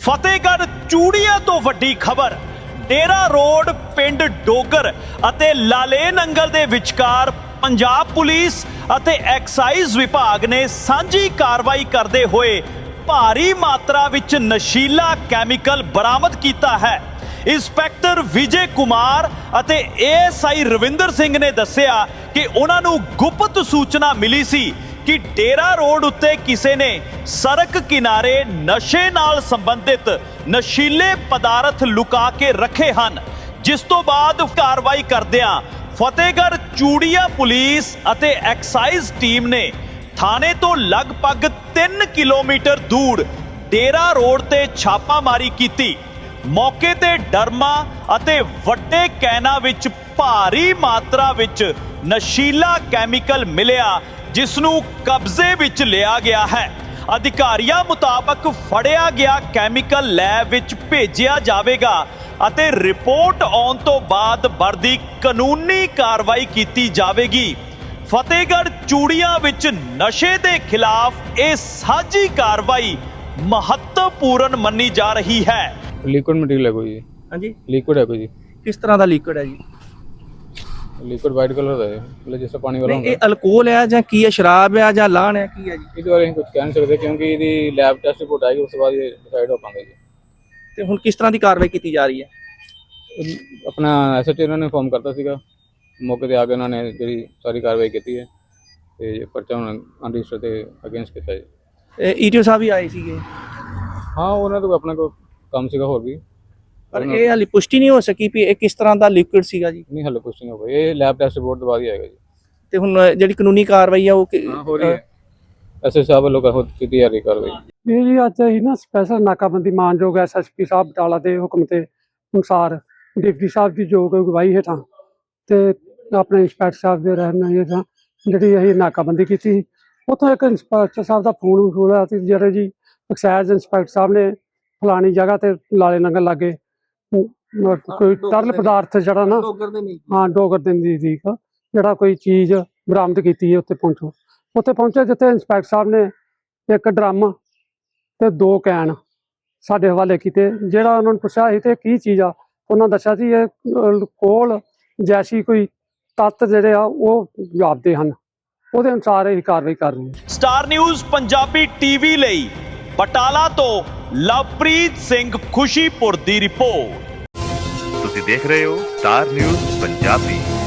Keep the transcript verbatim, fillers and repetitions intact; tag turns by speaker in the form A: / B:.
A: ਫਤਿਹਗੜ੍ਹ ਚੂੜੀਆਂ ਤੋਂ ਵੱਡੀ ਖਬਰ। ਡੇਰਾ ਰੋਡ ਪਿੰਡ ਡੋਗਰ ਅਤੇ ਲਾਲੇ ਨੰਗਲ ਦੇ ਵਿਚਕਾਰ ਪੰਜਾਬ ਪੁਲਿਸ ਅਤੇ ਐਕਸਾਈਜ਼ ਵਿਭਾਗ ਨੇ ਸਾਂਝੀ ਕਾਰਵਾਈ ਕਰਦੇ ਹੋਏ ਭਾਰੀ ਮਾਤਰਾ ਵਿੱਚ ਨਸ਼ੀਲਾ ਕੈਮੀਕਲ ਬਰਾਮਦ ਕੀਤਾ ਹੈ। ਇੰਸਪੈਕਟਰ ਵਿਜੇ ਕੁਮਾਰ ਅਤੇ ਏਐਸਆਈ ਰਵਿੰਦਰ ਸਿੰਘ ਨੇ ਦੱਸਿਆ ਕਿ ਉਹਨਾਂ ਨੂੰ ਗੁਪਤ ਸੂਚਨਾ ਮਿਲੀ ਸੀ ਕਿ ਡੇਰਾ ਰੋਡ ਉੱਤੇ ਕਿਸੇ ਨੇ ਸੜਕ ਕਿਨਾਰੇ ਨਸ਼ੇ ਨਾਲ ਸੰਬੰਧਿਤ ਨਸ਼ੀਲੇ ਪਦਾਰਥ ਲੁਕਾ ਕੇ ਰੱਖੇ ਹਨ, ਜਿਸ ਤੋਂ ਬਾਅਦ ਕਾਰਵਾਈ ਕਰਦਿਆਂ ਫਤਿਹਗੜ੍ਹ ਚੂੜੀਆਂ ਪੁਲਿਸ ਅਤੇ ਐਕਸਾਈਜ਼ ਟੀਮ ਨੇ ਥਾਣੇ ਤੋਂ ਲਗਭਗ ਤਿੰਨ ਕਿਲੋਮੀਟਰ ਦੂਰ ਡੇਰਾ ਰੋਡ ਤੇ ਛਾਪਾਮਾਰੀ ਕੀਤੀ। ਮੌਕੇ ਤੇ ਡਰਮਾ ਅਤੇ ਵੱਡੇ ਕੈਨਾਂ ਵਿੱਚ ਭਾਰੀ ਮਾਤਰਾ ਵਿੱਚ ਨਸ਼ੀਲਾ ਕੈਮੀਕਲ ਮਿਲਿਆ, ਜਿਸ ਨੂੰ ਕਬਜ਼ੇ ਵਿੱਚ ਲਿਆ ਗਿਆ ਹੈ। ਅਧਿਕਾਰੀਆਂ ਮੁਤਾਬਕ ਫੜਿਆ ਗਿਆ ਕੈਮੀਕਲ ਲੈਬ ਵਿੱਚ ਭੇਜਿਆ ਜਾਵੇਗਾ ਅਤੇ ਰਿਪੋਰਟ ਆਉਣ ਤੋਂ ਬਾਅਦ ਬਣਦੀ ਕਾਨੂੰਨੀ ਕਾਰਵਾਈ ਕੀਤੀ ਜਾਵੇਗੀ। ਫਤਿਹਗੜ੍ਹ ਚੂੜੀਆਂ ਵਿੱਚ ਨਸ਼ੇ ਦੇ ਖਿਲਾਫ ਇਹ ਸਾਂਝੀ ਕਾਰਵਾਈ ਮਹੱਤਵਪੂਰਨ ਮੰਨੀ ਜਾ ਰਹੀ ਹੈ।
B: लिक्विड मटेरियल है कोई जी।
C: हाँ जी,
B: लिक्विड है कोई जी।
C: किस तरह का लिक्विड है जी?
B: लिक्विड वाइट कलर का है, मतलब जैसे पानी वाला
C: नहीं,
B: होता
C: ये अल्कोहल है ਜਾਂ ਕੀ ਹੈ, ਸ਼ਰਾਬ ਹੈ ਜਾਂ ਲਾਣ ਹੈ, ਕੀ ਹੈ ਜੀ?
B: ਇਹਦੇ ਬਾਰੇ ਅਸੀਂ ਕੁਝ ਕਹਿ ਨਹੀਂ ਸਕਦੇ ਕਿਉਂਕਿ ਇਹਦੀ ਲੈਬ ਟੈਸਟ ਰਿਪੋਰਟ ਆਏਗੀ, ਉਸ ਤੋਂ ਬਾਅਦ ਇਹ ਡਿਸਾਈਡ ਹੋ ਪਾਉਂਦਾ ਜੀ।
C: ਤੇ ਹੁਣ ਕਿਸ ਤਰ੍ਹਾਂ ਦੀ ਕਾਰਵਾਈ ਕੀਤੀ ਜਾ ਰਹੀ ਹੈ?
B: ਇਹ ਆਪਣਾ ਐਸਐਚਓ ਇਹਨਾਂ ਨੇ ਇਨਫੋਰਮ ਕਰਤਾ ਸੀਗਾ, ਮੌਕੇ ਤੇ ਆ ਕੇ ਉਹਨਾਂ ਨੇ ਜਿਹੜੀ ਸਾਰੀ ਕਾਰਵਾਈ ਕੀਤੀ ਹੈ ਤੇ ਪਰਚਾ ਹੁਣ ਅਨਰਜਿਸਟਰ ਤੇ ਅਗੇਂਸਟ ਕੀਤਾ ਜੀ।
C: ਈਟੀਓ ਸਾਹਿਬ ਵੀ ਆਏ ਸੀਗੇ,
B: ਹਾਂ ਉਹਨਾਂ ਤੋਂ ਆਪਣਾ ਕੋਈ ਕੰਮ ਸੀਗਾ ਹੋਰ ਵੀ,
C: ਪਰ ਇਹ ਹਾਲੇ ਪੁਸ਼ਟੀ ਨਹੀਂ ਹੋ ਸਕੀ ਵੀ ਇਹ ਕਿਸ ਤਰ੍ਹਾਂ ਦਾ ਲਿਕੁਇਡ ਸੀਗਾ ਜੀ।
B: ਨਹੀਂ ਹਾਲੇ ਕੁਝ ਨਹੀਂ ਹੋ ਗਿਆ, ਇਹ ਲੈਬ ਟੈਸਟ ਰਿਪੋਰਟ ਤੋਂ ਬਾਅਦ ਹੀ ਆਏਗਾ ਜੀ।
C: ਤੇ ਹੁਣ ਜਿਹੜੀ ਕਾਨੂੰਨੀ ਕਾਰਵਾਈ ਆ ਉਹ ਕਿ-
B: ਹਾਂ ਹੋ ਰਹੀ ਹੈ, ਐਸਐਚਓ ਸਾਹਿਬ ਵੱਲੋਂ ਕਰ ਕੀਤੀ ਜਾ ਰਹੀ ਕਾਰਵਾਈ।
D: ਇਹ ਜੀ ਅੱਜ ਅਸੀਂ ਨਾ ਸਪੈਸ਼ਲ ਨਾਕਾਬੰਦੀ ਮਾਨਯੋਗ ਐਸਐਸਪੀ ਸਾਹਿਬ ਬਟਾਲਾ ਦੇ ਹੁਕਮ ਤੇ ਅਨੁਸਾਰ ਡਿਪਟੀ ਸਾਹਿਬ ਦੀ ਯੋਗ ਅਗਵਾਈ ਹੇਠਾਂ ਤੇ ਆਪਣੇ ਇੰਸਪੈਕਟਰ ਸਾਹਿਬ ਦੇ ਰਹਿਨੁਮਾਈ ਹੇਠਾਂ ਜਿਹੜੀ ਅਸੀਂ ਨਾਕਾਬੰਦੀ ਕੀਤੀ। ਉੱਥੋਂ ਇੱਕ ਇੰਸਪੈਕਟਰ ਸਾਹਿਬ ਦਾ ਫੋਨ ਵਸੂਲ ਹੋਇਆ ਸੀ, ਜਿਹੜੇ ਜੀ ਐਕਸਾਈਜ਼ ਇੰਸਪੈਕਟਰ ਸਾਹਿਬ ਨੇ ਫਲਾਣੀ ਜਗ੍ਹਾ ਤੇ ਲਾਲੇ ਨੰਗਲ ਲਾਗੇ ਕੋਈ ਤਰਲ ਪਦਾਰਥ ਜਿਹੜਾ ਨਾ ਹਾਂ ਡੋਗਰ ਦੇ ਨਜ਼ਦੀਕ ਜਿਹੜਾ ਕੋਈ ਚੀਜ਼ ਬਰਾਮਦ ਕੀਤੀ ਹੈ। ਉੱਥੇ ਪਹੁੰਚੋ ਉੱਥੇ ਪਹੁੰਚੇ ਜਿੱਥੇ ਇੰਸਪੈਕਟਰ ਸਾਹਿਬ ਨੇ ਇੱਕ ਡਰਮ ਤੇ ਦੋ ਕੈਨ ਸਾਡੇ ਹਵਾਲੇ ਕੀਤੇ। ਜਿਹੜਾ ਉਹਨਾਂ ਨੂੰ ਪੁੱਛਿਆ ਸੀ ਤੇ ਕੀ ਚੀਜ਼ ਆ, ਉਹਨਾਂ ਦੱਸਿਆ ਸੀ ਇਹ ਅਲਕੋਹਲ ਜੈਸੀ ਕੋਈ ਤੱਤ ਜਿਹੜੇ ਆ ਉਹ ਜਾਪਦੇ ਹਨ, ਉਹਦੇ ਅਨੁਸਾਰ ਇਹ ਕਾਰਵਾਈ ਕਰ ਰਹੀ ਹੈ।
A: ਸਟਾਰ ਨਿਊਜ਼ ਪੰਜਾਬੀ ਟੀਵੀ ਲਈ ਬਟਾਲਾ ਤੋਂ ਲਵਪ੍ਰੀਤ ਸਿੰਘ ਖੁਸ਼ੀਪੁਰ ਦੀ ਰਿਪੋਰਟ।
E: ਤੁਸੀਂ ਦੇਖ ਰਹੇ ਹੋ ਸਟਾਰ ਨਿਊਜ਼ ਪੰਜਾਬੀ।